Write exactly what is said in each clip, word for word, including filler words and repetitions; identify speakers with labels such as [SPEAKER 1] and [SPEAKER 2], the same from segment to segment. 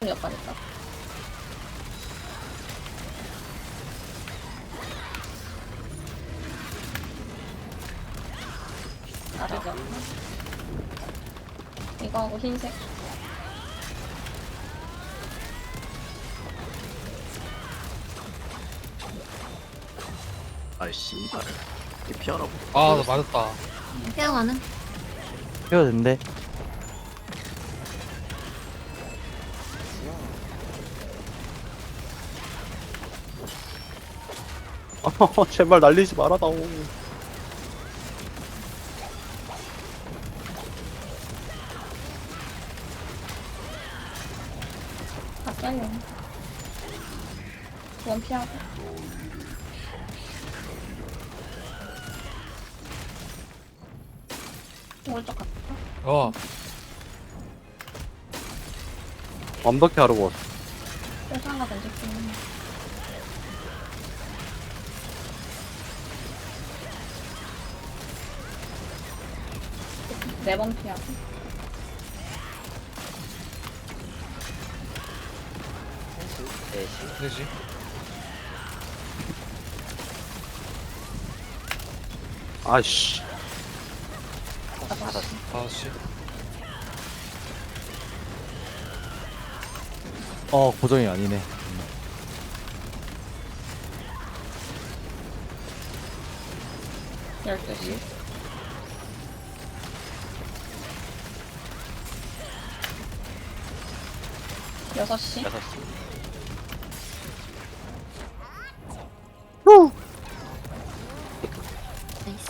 [SPEAKER 1] 역하니까. 나르지 않나? 이거 하고 흰색.
[SPEAKER 2] 아이씨 이발 이렇게 피하라고.
[SPEAKER 3] 아, 나 맞았다.
[SPEAKER 4] 태양하는
[SPEAKER 5] 해도 된대. 아, 제발 날리지 말아다오.
[SPEAKER 1] 바뀌었네. 원 피하고. 오른쪽 갔다.
[SPEAKER 3] 어,
[SPEAKER 5] 완벽히 하려고 왔어.
[SPEAKER 1] 회사가 던질게. 네번 피하고.
[SPEAKER 3] 되지.
[SPEAKER 5] 아이씨.
[SPEAKER 1] 다섯 시.
[SPEAKER 3] 다섯 시.
[SPEAKER 5] 어, 고정이 아니네.
[SPEAKER 1] 열두 시. 여섯 시.
[SPEAKER 2] 여섯 시.
[SPEAKER 4] 나이스.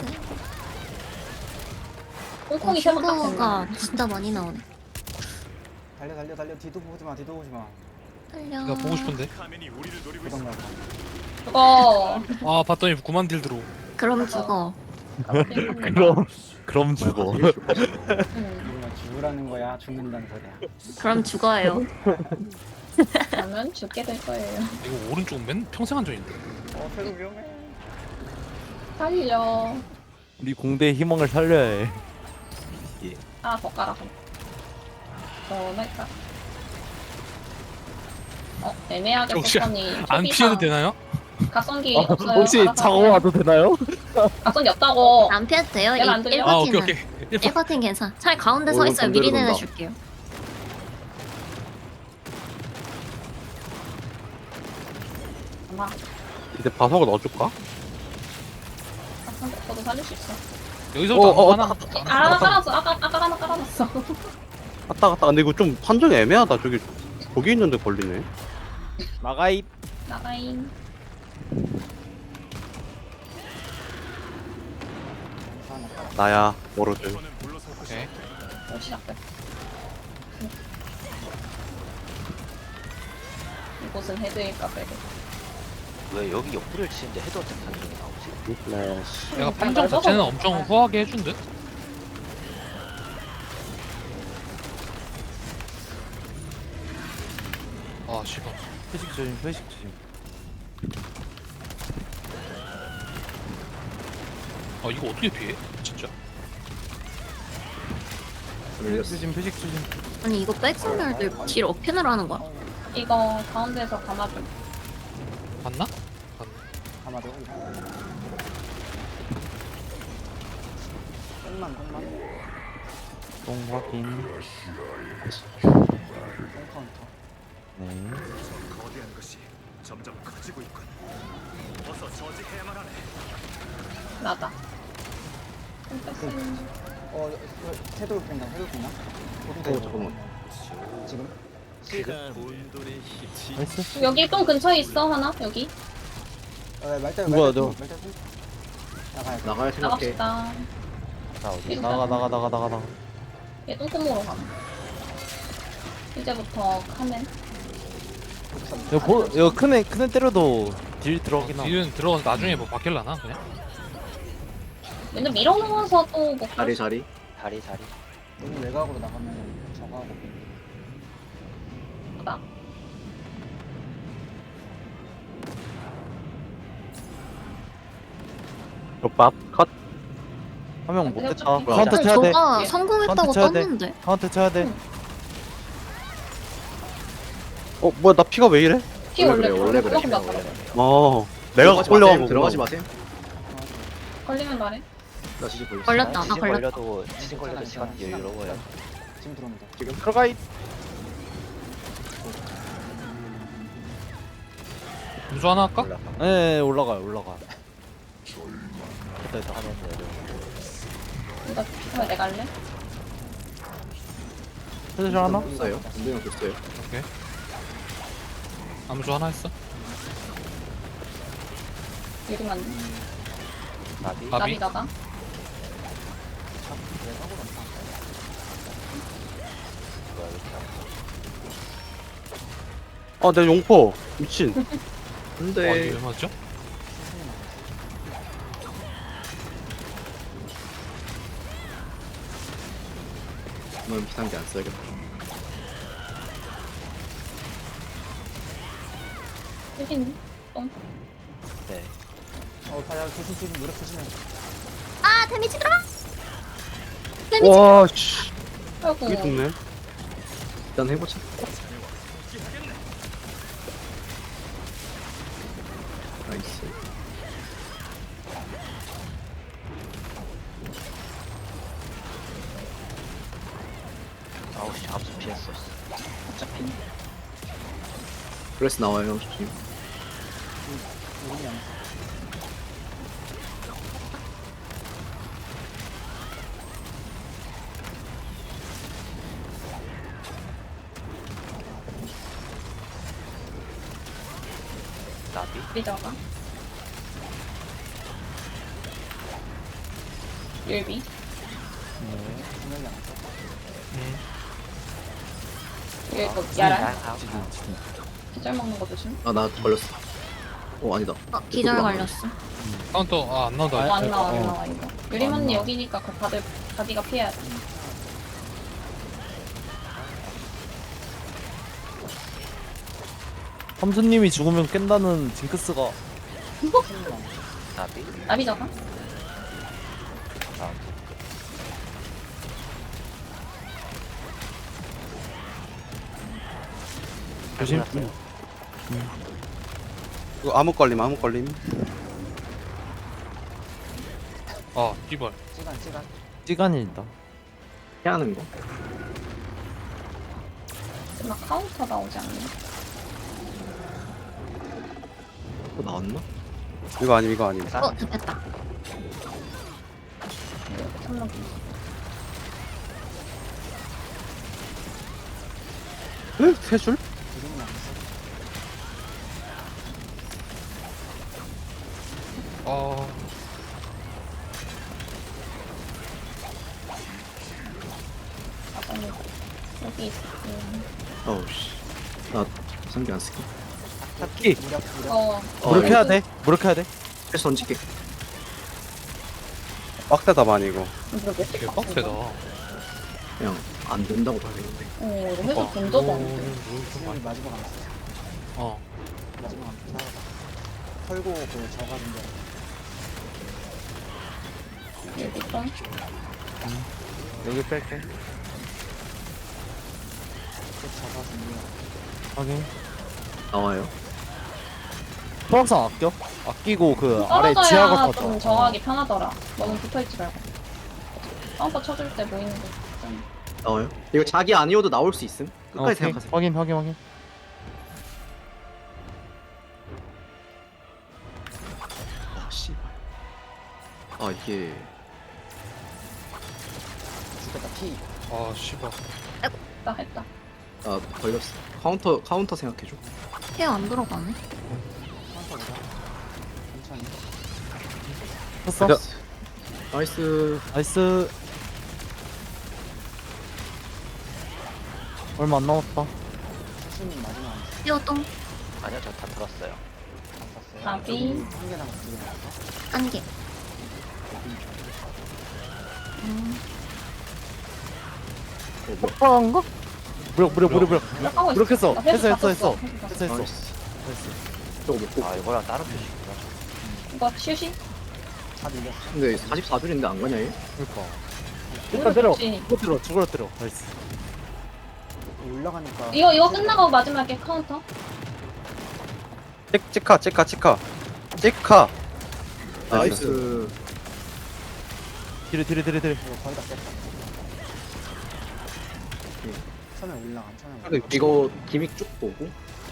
[SPEAKER 1] 콩콩이
[SPEAKER 4] 어,
[SPEAKER 1] 세번 딱
[SPEAKER 4] 슈퍼가
[SPEAKER 1] 됐네.
[SPEAKER 4] 진짜 많이 나오네.
[SPEAKER 6] 달려 달려 달려 뒤도 보지 마 뒤도 보지 마.
[SPEAKER 4] 달려.
[SPEAKER 3] 나 보고 싶은데.
[SPEAKER 6] 도망가.
[SPEAKER 1] 그거.
[SPEAKER 3] 아, 봤더니 구만 딜 들어.
[SPEAKER 4] 그럼 죽어.
[SPEAKER 5] 그럼, 그럼 죽어.
[SPEAKER 1] 응.
[SPEAKER 6] 이거 죽으라는 거야 죽는다는 소리야.
[SPEAKER 4] 그럼 죽어요.
[SPEAKER 1] 그러면 죽게 될 거예요.
[SPEAKER 3] 이거 오른쪽 맨 평생 안전인데.
[SPEAKER 6] 어 새로 위험해.
[SPEAKER 1] 살려.
[SPEAKER 5] 우리 공대의 희망을 살려야 해.
[SPEAKER 1] 하나 더 깔아. 더 할까? 어, 애매하게
[SPEAKER 3] 혹시
[SPEAKER 1] 패턴이
[SPEAKER 3] 안 피해도 되나요?
[SPEAKER 1] 각성기
[SPEAKER 5] 어,
[SPEAKER 1] 없어요.
[SPEAKER 5] 혹시
[SPEAKER 1] 알아서
[SPEAKER 5] 장어
[SPEAKER 1] 하세요.
[SPEAKER 5] 와도 되나요?
[SPEAKER 1] 각성기 없다고.
[SPEAKER 4] 안 피해도 돼요.
[SPEAKER 1] 내가 안 들려?
[SPEAKER 3] 아, 오케이,
[SPEAKER 4] 1버틴은.
[SPEAKER 3] 오케이. 일 번.
[SPEAKER 4] 일 버틴 괜찮아. 차라리 가운데
[SPEAKER 2] 어,
[SPEAKER 4] 서
[SPEAKER 2] 이거
[SPEAKER 4] 있어요.
[SPEAKER 2] 반대로
[SPEAKER 4] 미리
[SPEAKER 2] 돈다.
[SPEAKER 4] 내려줄게요.
[SPEAKER 1] 아마
[SPEAKER 5] 이제 바석을 넣어줄까?
[SPEAKER 1] 각성기 없어도 살릴 수 있어.
[SPEAKER 3] 여기서부터
[SPEAKER 5] 어, 어,
[SPEAKER 3] 하나.
[SPEAKER 1] 아, 하나 깔았어. 아까 아까 하나 깔아놨어.
[SPEAKER 5] 갔다 갔다. 근데 이거 좀 판정이 애매하다. 저기 거기 있는데 걸리네. 나가이.
[SPEAKER 1] 나가인.
[SPEAKER 5] 나야 워로드.
[SPEAKER 3] 오케이.
[SPEAKER 1] 또 시작돼. 이곳은 헤드일까 빼고.
[SPEAKER 2] 왜 여기 옆구리를 치는데 헤드어택 판정이 나오지?
[SPEAKER 5] 플래시.
[SPEAKER 3] 내가 판정 자체는 엄청 후하게 해준 듯? 아, 씨발.
[SPEAKER 5] 회식 조심, 회식 조심.
[SPEAKER 3] 아, 이거 어떻게 피해? 진짜?
[SPEAKER 5] 회식 조심, 회식 조심.
[SPEAKER 4] 아니 이거 백선별들 딜 어펜으로 하는 거야.
[SPEAKER 1] 이거 가운데에서 감아줘.
[SPEAKER 3] 봤나?
[SPEAKER 6] 아마도. 똥만 똥만.
[SPEAKER 5] 똥 확인.
[SPEAKER 6] 똥 카운터.
[SPEAKER 5] 네.
[SPEAKER 7] 거대한 것이 점점 커지고 있군. 어서 저지해야만 하네.
[SPEAKER 1] 나다. 좀 뺐으면.
[SPEAKER 6] 어 새도 뺀다 새도 뺀다.
[SPEAKER 2] 어, 잠깐만.
[SPEAKER 6] 지금?
[SPEAKER 5] 나이스.
[SPEAKER 1] 여기 좀 근처에 있어 하나 여기.
[SPEAKER 6] 어 말대
[SPEAKER 5] 뭐야,
[SPEAKER 6] 말대
[SPEAKER 5] 너.
[SPEAKER 6] 말대 나가야 돼.
[SPEAKER 2] 나가야 생각해.
[SPEAKER 1] 나갑시다.
[SPEAKER 5] 자, 어디? 나가, 나가, 나가, 나가, 나가.
[SPEAKER 1] 얘 똥구멍으로 가. 이제부터 카멘.
[SPEAKER 5] 이거 보, 이거 큰애, 큰애 때려도 딜 들어가긴 하.
[SPEAKER 3] 딜은 들어가서 나중에 뭐 바뀔라나? 그냥?
[SPEAKER 1] 근데 밀어놓아서 또뭐
[SPEAKER 2] 자리 자리. 다리 다리.
[SPEAKER 6] 너무 외곽으로 나가면 저거 하고.
[SPEAKER 1] 나.
[SPEAKER 5] 밥 컷. 한 명 못
[SPEAKER 1] 내가
[SPEAKER 5] 대차.
[SPEAKER 1] 좀-
[SPEAKER 5] 카운터
[SPEAKER 4] 아니,
[SPEAKER 5] 쳐야 돼.
[SPEAKER 4] 저가
[SPEAKER 1] 돼.
[SPEAKER 4] 성공했다고
[SPEAKER 5] 카운트 쳐야 돼.
[SPEAKER 4] 떴는데.
[SPEAKER 5] 카운터 쳐야 돼. 어 뭐야 나 피가 왜 이래?
[SPEAKER 1] 피
[SPEAKER 8] 원래
[SPEAKER 1] 원래
[SPEAKER 8] 그래, 원래 그래.
[SPEAKER 1] 조금 났다.
[SPEAKER 5] 어 내가
[SPEAKER 8] 들어가지
[SPEAKER 5] 걸려가고
[SPEAKER 8] 마셈, 들어가지 마셈.
[SPEAKER 1] 걸리면 말해.
[SPEAKER 8] 나 지지 걸렸어.
[SPEAKER 4] 걸렸다. 나
[SPEAKER 2] 지진
[SPEAKER 4] 걸렸다.
[SPEAKER 2] 걸려도 지진 걸려도 시간 여유로워요.
[SPEAKER 6] 지금 들어옵니다.
[SPEAKER 8] 지금
[SPEAKER 5] 들어가 있
[SPEAKER 3] 무조 하나 할까?
[SPEAKER 2] 올라가.
[SPEAKER 9] 네 올라가요 올라가.
[SPEAKER 2] 됐다 됐다 하면 돼요.
[SPEAKER 1] 이거 피면 내가 할래?
[SPEAKER 9] 슬슬 하나?
[SPEAKER 8] 됐어요. 운동형 됐어요.
[SPEAKER 3] 아무조 하나 했어?
[SPEAKER 1] 유리만
[SPEAKER 2] 나비.
[SPEAKER 3] 아,
[SPEAKER 1] 나비다가
[SPEAKER 2] 뭐야 이렇게
[SPEAKER 5] 아 내 용포 미친
[SPEAKER 3] 와
[SPEAKER 8] 근데
[SPEAKER 3] 이거 왜 맞죠?
[SPEAKER 8] 이건 비상기 안 써야겠다.
[SPEAKER 1] 여긴
[SPEAKER 2] 네.
[SPEAKER 6] 어, 바야 조심 조심 노력 조심해.
[SPEAKER 4] 아 데미지 들어가. 데미지.
[SPEAKER 5] 와씨
[SPEAKER 1] 아이고
[SPEAKER 5] 이게 죽네
[SPEAKER 8] 일단 해보자. 나이스.
[SPEAKER 2] 아우씨 암수 피했어.
[SPEAKER 1] 어차피
[SPEAKER 8] 브레스 나와요. 조심.
[SPEAKER 6] 우리 양.
[SPEAKER 2] 나비.
[SPEAKER 1] 리저가 율비
[SPEAKER 6] 분명히 안 써.
[SPEAKER 3] 음.
[SPEAKER 1] 이거 또
[SPEAKER 2] 아,
[SPEAKER 1] 야랄
[SPEAKER 2] 아,
[SPEAKER 1] 기절 먹는 거 조심.
[SPEAKER 8] 아 나 걸렸어. 어 아니다.
[SPEAKER 4] 어, 기절 걸렸어.
[SPEAKER 3] 카운터 아 안 나온다.
[SPEAKER 1] 어, 안 나와 안
[SPEAKER 9] 어.
[SPEAKER 1] 나와 이거. 유리만이 여기니까 그 다들 다디가 피해야 돼.
[SPEAKER 9] 삼수님이 죽으면 깬다는 징크스가
[SPEAKER 2] 나비.
[SPEAKER 1] 나비저가
[SPEAKER 2] 아,
[SPEAKER 9] 조심.
[SPEAKER 2] 몰랐어요.
[SPEAKER 5] 이거 암흑 걸림 암흑 걸림
[SPEAKER 3] 아 이발.
[SPEAKER 6] 시간 시간.
[SPEAKER 9] 시간이다.
[SPEAKER 8] 피하는 거.
[SPEAKER 1] 막 카운터 나오지 않나?
[SPEAKER 8] 또 나왔나?
[SPEAKER 5] 이거 아님 이거 아님
[SPEAKER 4] 어 잡혔다.
[SPEAKER 1] 이거 참는
[SPEAKER 5] 에? 세 줄?
[SPEAKER 6] 이름이 안 써.
[SPEAKER 3] 아
[SPEAKER 1] 아니 여기 있어. 음.
[SPEAKER 8] 어우 씨. 나 비상기 안 쓸게.
[SPEAKER 9] 탑기.
[SPEAKER 6] 무력 무력.
[SPEAKER 1] 어
[SPEAKER 9] 무력해야 돼. 무력해야 돼.
[SPEAKER 8] 패스 던질게.
[SPEAKER 5] 빡세다 많이 이거
[SPEAKER 1] 이거 몇
[SPEAKER 3] 개 빡세다.
[SPEAKER 8] 그냥 안 된다고 봐야겠는데.
[SPEAKER 1] 어 이거 해서 본 적도 없는데.
[SPEAKER 6] 우리 마지막 안 써.
[SPEAKER 3] 어.
[SPEAKER 6] 마지막 안 써. 털고 그 저가는데.
[SPEAKER 1] 여기 좀
[SPEAKER 9] 여기 뺄게.
[SPEAKER 6] 그 저가는데.
[SPEAKER 9] 확인.
[SPEAKER 8] 나와요.
[SPEAKER 9] 소각상 아껴? 아끼고 그 아래
[SPEAKER 1] 떨어져야
[SPEAKER 9] 지하가
[SPEAKER 1] 좀
[SPEAKER 9] 터져.
[SPEAKER 1] 정하기 편하더라. 너무 붙어있지 말고. 카운터 쳐줄 때 보이는 거. 좀.
[SPEAKER 8] 나와요. 이거 자기 아니어도 나올 수 있음. 끝까지
[SPEAKER 9] 오케이.
[SPEAKER 8] 생각하세요.
[SPEAKER 9] 확인 확인 확인.
[SPEAKER 8] 아 씨발. 아 이게
[SPEAKER 6] 죽겠다 피.
[SPEAKER 3] 아 씨발.
[SPEAKER 1] 했다 했다.
[SPEAKER 8] 아 걸렸어. 카운터 카운터 생각해줘.
[SPEAKER 4] 케어 안 들어가네.
[SPEAKER 6] 카운터 보자. 천천히.
[SPEAKER 9] 했어.
[SPEAKER 5] 자,
[SPEAKER 8] 나이스.
[SPEAKER 9] 나이스. 얼마 안 남았다.
[SPEAKER 6] 수님 마지막 안 써.
[SPEAKER 4] 케어 똥.
[SPEAKER 2] 아니요 저 다 들었어요.
[SPEAKER 6] 안 썼어요.
[SPEAKER 1] 나비.
[SPEAKER 6] 한개 남았어. 두개 남았어.
[SPEAKER 4] 한 개. 음.
[SPEAKER 8] 어, 뭐.
[SPEAKER 9] 폭파한가? 무력 무력 무력 무력.
[SPEAKER 1] 하고 있어.
[SPEAKER 9] 무력했어.
[SPEAKER 1] 나
[SPEAKER 9] 했어
[SPEAKER 1] 회수 다
[SPEAKER 9] 했어
[SPEAKER 1] 썼어.
[SPEAKER 9] 했어.
[SPEAKER 1] 회수 다
[SPEAKER 9] 했어
[SPEAKER 1] 썼어.
[SPEAKER 9] 했어.
[SPEAKER 8] 나이스.
[SPEAKER 9] 했어.
[SPEAKER 8] 저거 먹고.
[SPEAKER 2] 아 이거랑 다른 표시구나.
[SPEAKER 1] 이거 슈시?
[SPEAKER 6] 다 밀렸어.
[SPEAKER 8] 근데 사십사 줄인데 안 가냐 얘?
[SPEAKER 9] 그러니까. 일단 때려.
[SPEAKER 1] 좋지.
[SPEAKER 9] 죽어 때려. 죽어 때려. 나이스.
[SPEAKER 6] 올라가니까.
[SPEAKER 1] 이거 이거 끝나고 마지막에 카운터.
[SPEAKER 5] 찍 찍카 찍카 찍카 찍카.
[SPEAKER 8] 나이스.
[SPEAKER 9] 뒤로 뒤로 뒤로 뒤로.
[SPEAKER 6] 이거 거의 다 깼다. 처음에 올라가. 처음에 올라가.
[SPEAKER 8] 이거 기믹 쭉 보고.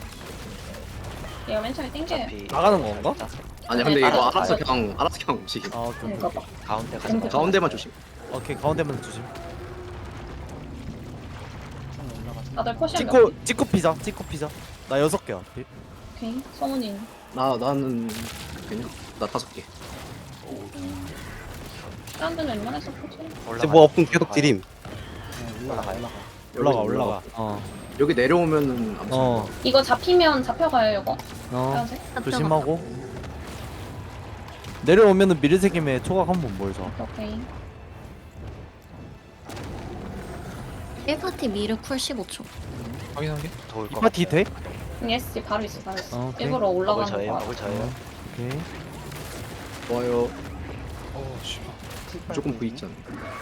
[SPEAKER 1] 얘가 맨 처음에 땡겨요.
[SPEAKER 2] 어차피
[SPEAKER 9] 나가는 건가?
[SPEAKER 8] 아니야 근데
[SPEAKER 1] 네,
[SPEAKER 8] 이거
[SPEAKER 1] 알아서
[SPEAKER 8] 알아서
[SPEAKER 1] 가죠.
[SPEAKER 8] 그냥 알아서 그냥 움직임.
[SPEAKER 9] 아 오케이 오케이.
[SPEAKER 1] 그러니까 막
[SPEAKER 2] 가운데 가자.
[SPEAKER 1] 땡겨.
[SPEAKER 8] 가운데만 조심.
[SPEAKER 9] 오케이 가운데만 조심.
[SPEAKER 6] 처음에 올라가. 처음에
[SPEAKER 1] 다들
[SPEAKER 6] 올라가.
[SPEAKER 1] 포션 몇
[SPEAKER 9] 찍고 찍고 피자 찍고 피자. 나 여섯 개야. 피-
[SPEAKER 1] 오케이. 성훈이.
[SPEAKER 8] 나 나는 그냥 나 다섯 개.
[SPEAKER 1] 사람들은 웬만해서 포션.
[SPEAKER 5] 이제 뭐 없으면 계속 딜임.
[SPEAKER 6] 네, 올라가. 올라가.
[SPEAKER 9] 올라가
[SPEAKER 8] 여기
[SPEAKER 9] 올라가. 어.
[SPEAKER 8] 여기 내려오면은 암수.
[SPEAKER 9] 어.
[SPEAKER 1] 이거 잡히면 잡혀가요 이거.
[SPEAKER 9] 어.
[SPEAKER 1] 빨간색.
[SPEAKER 9] 조심하고. 내려오면은 미르세김에 초각 한번 보여줘.
[SPEAKER 1] 오케이.
[SPEAKER 4] 일 파티 미르 쿨 십오 초.
[SPEAKER 3] 확인한 게?
[SPEAKER 2] 더울
[SPEAKER 9] 이
[SPEAKER 2] 것
[SPEAKER 9] 파티 돼?
[SPEAKER 1] 예스 바로 있어 바로 있어.
[SPEAKER 9] 어, 오케이.
[SPEAKER 1] 일부러
[SPEAKER 2] 먹을
[SPEAKER 1] 올라가는
[SPEAKER 2] 저예요.
[SPEAKER 1] 거.
[SPEAKER 2] 먹을 저예요.
[SPEAKER 9] 오케이.
[SPEAKER 8] 좋아요.
[SPEAKER 3] 어 씨발.
[SPEAKER 8] 조금 V 있잖아.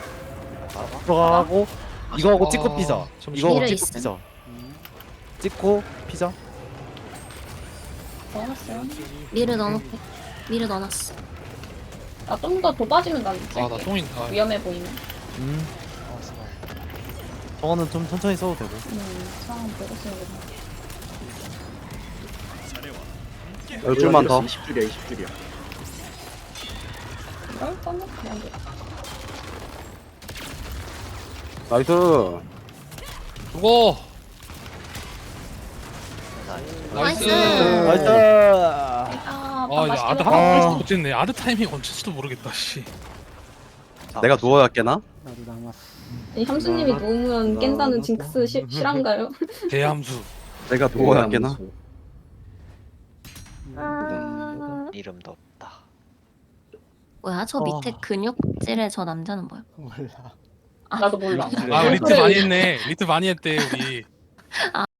[SPEAKER 9] 들어가고 이거 하고 찍고
[SPEAKER 3] 아,
[SPEAKER 9] 피자.
[SPEAKER 3] 잠시만.
[SPEAKER 9] 이거 하고
[SPEAKER 4] 미르
[SPEAKER 9] 찍고
[SPEAKER 4] 있음.
[SPEAKER 9] 피자.
[SPEAKER 6] 음.
[SPEAKER 9] 찍고 피자.
[SPEAKER 1] 먹었어요.
[SPEAKER 4] 미르 넣어놓게. 미르 넣어놨어.
[SPEAKER 1] 나좀 더 도빠지면 난
[SPEAKER 3] 아나
[SPEAKER 1] 있을게.
[SPEAKER 3] 똥인. 아
[SPEAKER 1] 위험해 보이면.
[SPEAKER 9] 음.
[SPEAKER 6] 어, 씨발.
[SPEAKER 9] 저거는 좀 천천히 써도 되고.
[SPEAKER 1] 음 상황 보고 쓰는 거.
[SPEAKER 5] 열 줄만 더.
[SPEAKER 8] 이십 줄이야 이십 줄이야.
[SPEAKER 1] 이걸 떠면 그냥 돼.
[SPEAKER 5] 나이스.
[SPEAKER 3] 죽어.
[SPEAKER 4] 나이스.
[SPEAKER 9] 나이스.
[SPEAKER 1] 아,
[SPEAKER 3] 아 이거 아드
[SPEAKER 1] 맛있게
[SPEAKER 3] 하나
[SPEAKER 1] 먹어.
[SPEAKER 3] 못했네. 아드 타이밍 언제지도 모르겠다. 씨.
[SPEAKER 5] 내가 누워야 깨나?
[SPEAKER 6] 나도 남았어.
[SPEAKER 1] 이 함수님이 누우면 깬다는 징크스 시, 실한가요?
[SPEAKER 3] 대함수.
[SPEAKER 5] 내가 누워야 깨나?
[SPEAKER 1] 아,
[SPEAKER 2] 이름도 없다.
[SPEAKER 4] 뭐야 저 밑에 근육질의 저 남자는 뭐야?
[SPEAKER 6] 몰라.
[SPEAKER 1] 나도 몰라.
[SPEAKER 3] 아 리트 많이 했네. 리트 많이 했대 우리.